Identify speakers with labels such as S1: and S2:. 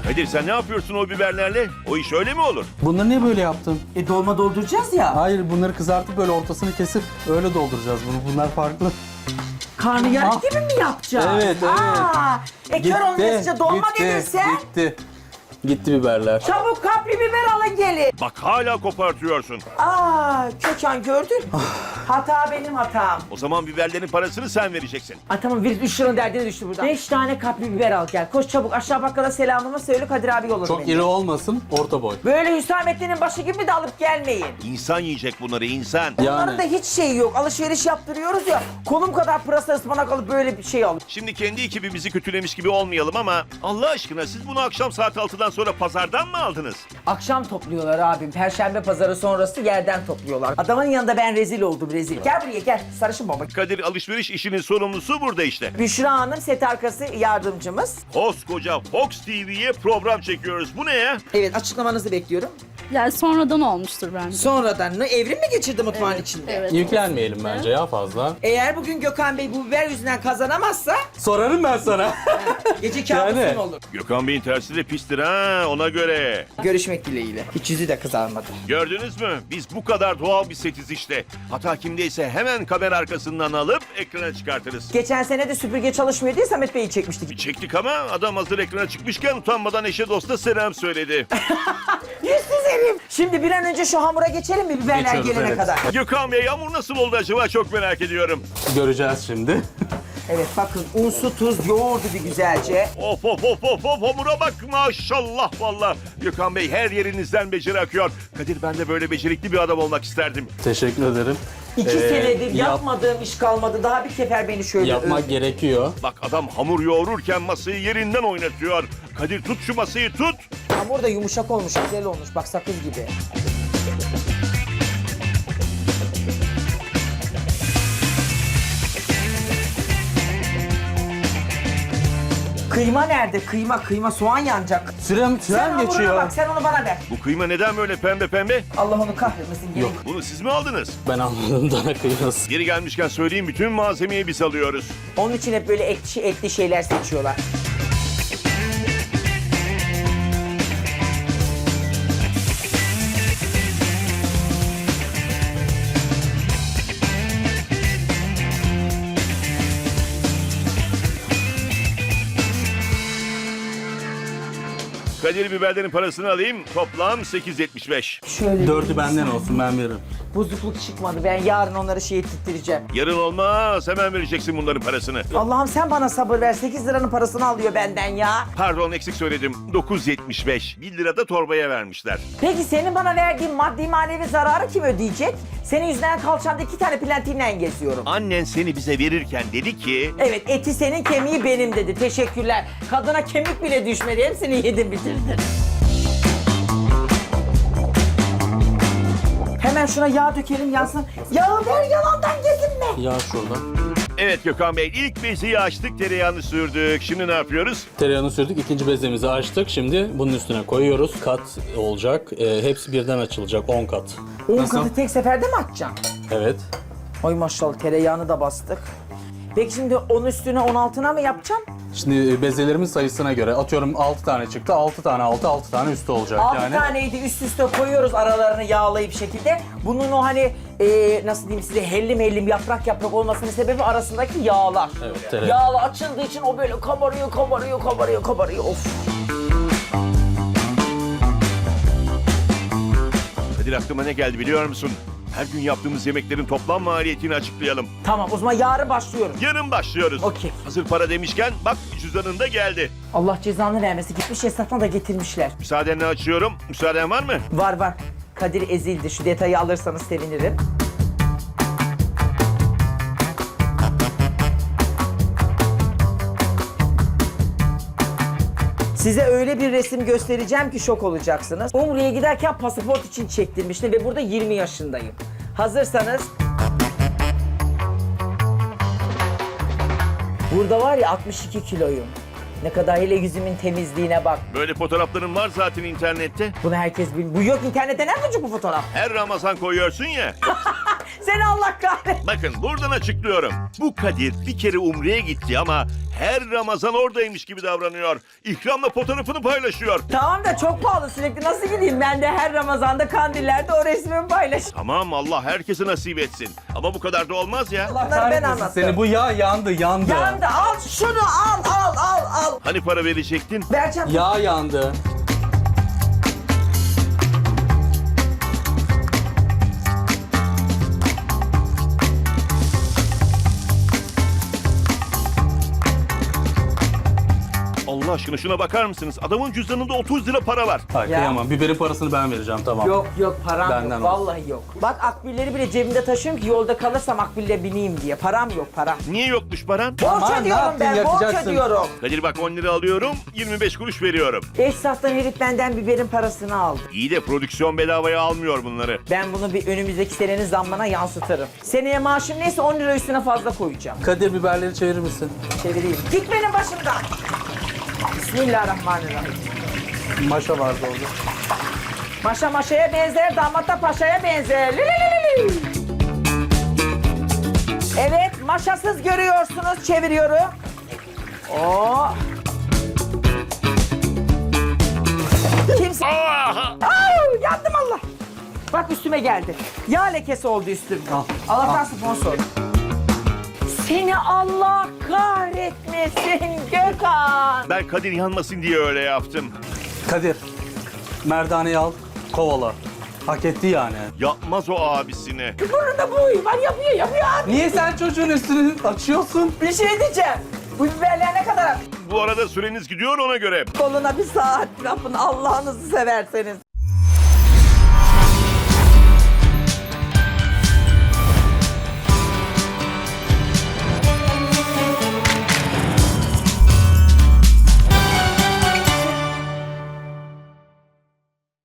S1: Kadir sen ne yapıyorsun o biberlerle? O iş öyle mi olur?
S2: Bunları niye böyle yaptın?
S3: Dolma dolduracağız ya.
S2: Hayır, bunları kızartıp böyle ortasını kesip öyle dolduracağız bunu. Bunlar farklı.
S3: Karnıyarık
S2: Ah.
S3: gibi mi yapacağız?
S2: Evet, evet.
S3: Kör olmayınca dolma gelirse
S2: Gitti biberler.
S3: çabuk kapri biber alın gelin.
S1: Bak hala kopartıyorsun.
S3: Kökan gördün. Hata benim hatam.
S1: O zaman biberlerin parasını sen vereceksin.
S3: Tamam Virüs 3 liranın derdine düştü buradan. 5 tane kapri biber al gel. Koş çabuk aşağı bakkala selamımı söyle Kadir abi yolladı
S2: Çok
S3: beni.
S2: iri olmasın, orta boy.
S3: Böyle Hüsamettin'in başı gibi de alıp gelmeyin.
S1: İnsan yiyecek bunları insan.
S3: Onların da hiç şeyi yok. Alışveriş yaptırıyoruz ya. Kolum kadar pırasa ıspanak alıp böyle bir şey al.
S1: Şimdi kendi ekibimizi kötülemiş gibi olmayalım ama Allah aşkına siz bunu akşam saat 6'dan sonra pazardan mı aldınız?
S3: Akşam topluyorlar abim. Perşembe pazarı sonrası yerden topluyorlar. Adamın yanında ben rezil oldum rezil. Gel buraya gel. Sarışın baba.
S1: Kadir alışveriş işinin sorumlusu burada işte.
S3: Büşra Hanım set arkası yardımcımız.
S1: Koskoca Fox TV'ye program çekiyoruz. Bu ne ya?
S3: Evet açıklamanızı bekliyorum.
S4: Yani sonradan olmuştur bence.
S3: Sonradan evrim mi geçirdi mutfağın içinde?
S4: Evet.
S2: Yüklenmeyelim bence ya fazla.
S3: Eğer bugün Gökhan Bey bu biber yüzünden kazanamazsa
S2: Sorarım ben sana.
S3: gece kabusun
S2: Yani.
S3: olur.
S1: Gökhan Bey'in tersi de pistir ha ona göre.
S3: Görüşmek dileğiyle. Hiç yüzü de kızarmadı.
S1: Gördünüz mü? Biz bu kadar doğal bir setiz işte. Hata kimdeyse hemen kamera arkasından alıp ekrana çıkartırız.
S3: Geçen sene de süpürge çalışmıyor diye Samet Bey'i çekmiştik.
S1: Çektik ama adam hazır ekrana çıkmışken utanmadan eşe dosta selam söyledi.
S3: Yüzsüz herif. Şimdi bir an önce şu hamura geçelim mi biberler
S2: Geçiyoruz,
S3: gelene
S2: evet.
S3: kadar?
S1: Gökhan Bey hamur nasıl oldu acaba çok merak ediyorum.
S2: Göreceğiz şimdi.
S3: Evet bakın un, su, tuz yoğurdu bir güzelce.
S1: Of of of of of hamura bak maşallah valla. Gökhan Bey her yerinizden beceri akıyor. Kadir ben de böyle becerikli bir adam olmak isterdim.
S2: Teşekkür ederim.
S3: 2 senedir
S2: yap-
S3: yapmadığım iş kalmadı. Daha bir sefer beni şöyle
S2: Yapmak gerekiyor.
S1: Bak adam hamur yoğururken masayı yerinden oynatıyor. Kadir tut şu masayı tut.
S3: Hamur da yumuşak olmuş, güzel olmuş. Bak sakız gibi. Kıyma nerede? Kıyma soğan yanacak.
S2: Süren
S3: Sen hamuruna
S2: geçiyor.
S3: bak, sen onu bana ver.
S1: Bu kıyma neden böyle pembe pembe?
S3: Allah onu kahretmesin. Gelin.
S1: Bunu siz mi aldınız?
S2: Ben anladım dana kıyması.
S1: Geri gelmişken söyleyeyim bütün malzemeyi biz alıyoruz.
S3: Onun için hep böyle etli şeyler seçiyorlar.
S1: Kadir biberlerin parasını alayım. Toplam 8.75.
S3: Şöyle
S2: 4'ü benden olsun, ben veririm.
S3: bozukluk çıkmadı. Ben yarın onları ettireceğim.
S1: Yarın olmaz. Hemen vereceksin bunların parasını.
S3: Allah'ım sen bana sabır ver. 8 liranın parasını alıyor benden ya.
S1: Pardon eksik söyledim. 9.75. 1 lira da torbaya vermişler.
S3: Peki senin bana verdiğin maddi manevi zararı kim ödeyecek? Senin yüzünden kalçamda 2 tane plantinle geziyorum.
S1: Annen seni bize verirken dedi ki...
S3: Evet eti senin kemiği benim dedi. Teşekkürler. Kadına kemik bile düşmedi. Hepsini yedin bitirdin. Hemen şuna yağ dökelim yansın. Yağı ver yalandan gezinme.
S2: Yağ şuradan.
S1: Evet Gökhan Bey ilk beziyi açtık tereyağını sürdük. Şimdi ne yapıyoruz?
S2: Tereyağını sürdük, ikinci bezemizi açtık. Şimdi bunun üstüne koyuyoruz. Kat olacak. Hepsi birden açılacak, 10 kat.
S3: 10
S2: Nasıl?
S3: katı tek seferde mi atacaksın?
S2: Evet.
S3: Ay maşallah tereyağını da bastık. Peki şimdi onun üstüne 10 altına mı yapacaksın?
S2: Şimdi bezelerimin sayısına göre atıyorum 6 tane çıktı. 6 tane altı, 6 tane üstü olacak
S3: 6
S2: yani.
S3: taneydi üst üste koyuyoruz aralarını yağlayıp şekilde. Bunun o hani nasıl diyeyim size hellim hellim yaprak yaprak olmasının sebebi arasındaki yağlar.
S2: Evet, tereyağı.
S3: Yağlı açıldığı için o böyle kabarıyor. Of.
S1: Kadir aklıma ne geldi biliyor musun? Her gün yaptığımız yemeklerin toplam maliyetini açıklayalım.
S3: Tamam o zaman yarın başlıyorum.
S1: Yarın başlıyoruz.
S3: Okey.
S1: Hazır para demişken bak cüzdanında geldi.
S3: Allah cezanı vermesin. Gitmiş esnafına da getirmişler.
S1: Müsaadenle açıyorum. Müsaaden var mı?
S3: Var. Kadir ezildi. Şu detayı alırsanız sevinirim. Size öyle bir resim göstereceğim ki şok olacaksınız. Umre'ye giderken pasaport için çektirmiştim ve burada 20 yaşındayım. Hazırsanız... Burada var ya 62 kiloyum. Ne kadar hele yüzümün temizliğine bak.
S1: Böyle fotoğrafların var zaten internette.
S3: Bunu herkes bilmiyor. Bu yok internette nerede bu fotoğraf?
S1: Her Ramazan koyuyorsun ya.
S3: Seni Allah kahretsin.
S1: Bakın buradan açıklıyorum. Bu Kadir bir kere Umre'ye gitti ama her Ramazan oradaymış gibi davranıyor. İkramla fotoğrafını paylaşıyor.
S3: Tamam da çok pahalı sürekli nasıl gideyim ben de her Ramazan'da kandillerde o resmimi paylaşayım.
S1: Tamam Allah herkese nasip etsin. Ama bu kadar da olmaz ya.
S3: Bunları ben
S2: Kahretmesin
S3: anlattım.
S2: seni, bu yağ yandı.
S3: Yandı al şunu al.
S1: Hani para verecektin?
S3: Vereceğim.
S2: Yağ yandı.
S1: Allah aşkına şuna bakar mısınız? Adamın cüzdanında 30 lira para var.
S2: Hayır
S3: Ya.
S2: kıyamam. Biberin parasını ben vereceğim, tamam.
S3: Yok param
S2: Benden
S3: yok
S2: olsun.
S3: vallahi yok. Bak akbilleri bile cebimde taşıyorum ki yolda kalırsam akbille bineyim diye. Param yok param.
S1: Niye yokmuş paran?
S3: Borç
S2: Aman, ne
S3: ödüyorum
S2: yaptın,
S3: ben borç
S2: yakacaksın.
S3: ödüyorum.
S1: Kadir bak 10 lira alıyorum, 25 kuruş veriyorum.
S3: Esnaftan herif benden biberin parasını aldı.
S1: İyi de prodüksiyon bedavaya almıyor bunları.
S3: Ben bunu bir önümüzdeki senenin zammına yansıtırım. Seneye maaşım neyse 10 lira üstüne fazla koyacağım.
S2: Kadir, biberleri çevirir misin?
S3: Çevireyim. Git benim başımdan. Bismillahirrahmanirrahim.
S2: Maşa vardı orada.
S3: Maşa maşaya benzer, damat da paşaya benzer. Li li li li li. Evet, maşasız görüyorsunuz. Çeviriyorum. Oo. Kimse... Au, yandım Allah. Bak üstüme geldi. Yağ lekesi oldu üstümde.
S2: Al,
S3: Allah'tan sponsor. Seni Allah kahretmesin Gökhan.
S1: Ben Kadir yanmasın diye öyle yaptım.
S2: Kadir, merdaneyi al, kovala. Hak etti yani.
S1: Yapmaz o abisine.
S3: Burnunda bu huyu var yapıyor abi.
S2: Niye sen çocuğun üstünü açıyorsun?
S3: Bir şey diyeceğim. Bu biberler ne kadar?
S1: Bu arada süreniz gidiyor ona göre.
S3: Koluna bir saat yapın Allah'ınızı severseniz.